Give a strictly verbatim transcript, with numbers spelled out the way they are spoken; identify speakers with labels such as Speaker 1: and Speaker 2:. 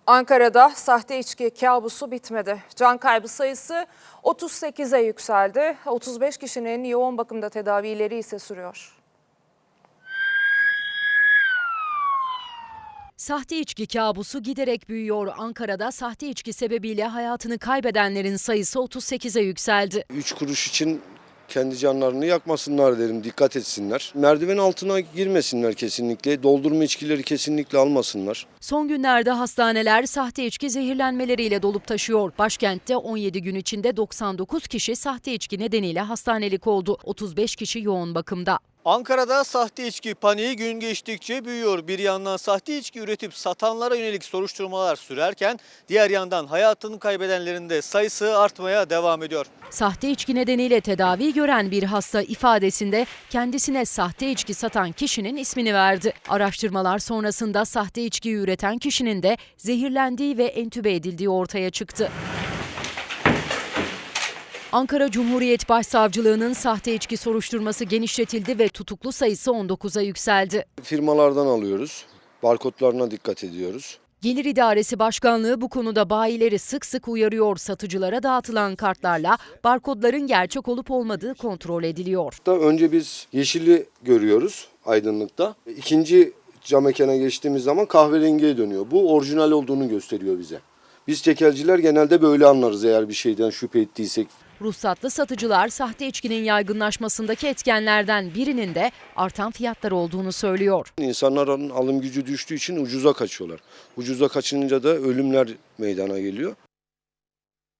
Speaker 1: Ankara'da sahte içki kabusu bitmedi. Can kaybı sayısı otuz sekize yükseldi. otuz beş kişinin yoğun bakımda tedavileri ise sürüyor.
Speaker 2: Sahte içki kabusu giderek büyüyor. Ankara'da sahte içki sebebiyle hayatını kaybedenlerin sayısı otuz sekize yükseldi.
Speaker 3: Üç kuruş için kendi canlarını yakmasınlar derim, dikkat etsinler. Merdiven altına girmesinler kesinlikle, doldurma içkileri kesinlikle almasınlar.
Speaker 2: Son günlerde hastaneler sahte içki zehirlenmeleriyle dolup taşıyor. Başkentte on yedi gün içinde doksan dokuz kişi sahte içki nedeniyle hastanelik oldu. otuz beş kişi yoğun bakımda.
Speaker 4: Ankara'da sahte içki paniği gün geçtikçe büyüyor. Bir yandan sahte içki üretip satanlara yönelik soruşturmalar sürerken diğer yandan hayatını kaybedenlerin de sayısı artmaya devam ediyor.
Speaker 2: Sahte içki nedeniyle tedavi gören bir hasta ifadesinde kendisine sahte içki satan kişinin ismini verdi. Araştırmalar sonrasında sahte içki üreten kişinin de zehirlendiği ve entübe edildiği ortaya çıktı. Ankara Cumhuriyet Başsavcılığı'nın sahte içki soruşturması genişletildi ve tutuklu sayısı on dokuza yükseldi.
Speaker 3: Firmalardan alıyoruz, barkodlarına dikkat ediyoruz.
Speaker 2: Gelir İdaresi Başkanlığı bu konuda bayileri sık sık uyarıyor. Satıcılara dağıtılan kartlarla barkodların gerçek olup olmadığı kontrol ediliyor.
Speaker 3: Önce biz yeşili görüyoruz aydınlıkta. İkinci cam mekana geçtiğimiz zaman kahverengiye dönüyor. Bu orijinal olduğunu gösteriyor bize. Biz tekelciler genelde böyle anlarız eğer bir şeyden şüphe ettiysek.
Speaker 2: Ruhsatlı satıcılar sahte içkinin yaygınlaşmasındaki etkenlerden birinin de artan fiyatlar olduğunu söylüyor.
Speaker 3: İnsanların alım gücü düştüğü için ucuza kaçıyorlar. Ucuza kaçınca da ölümler meydana geliyor.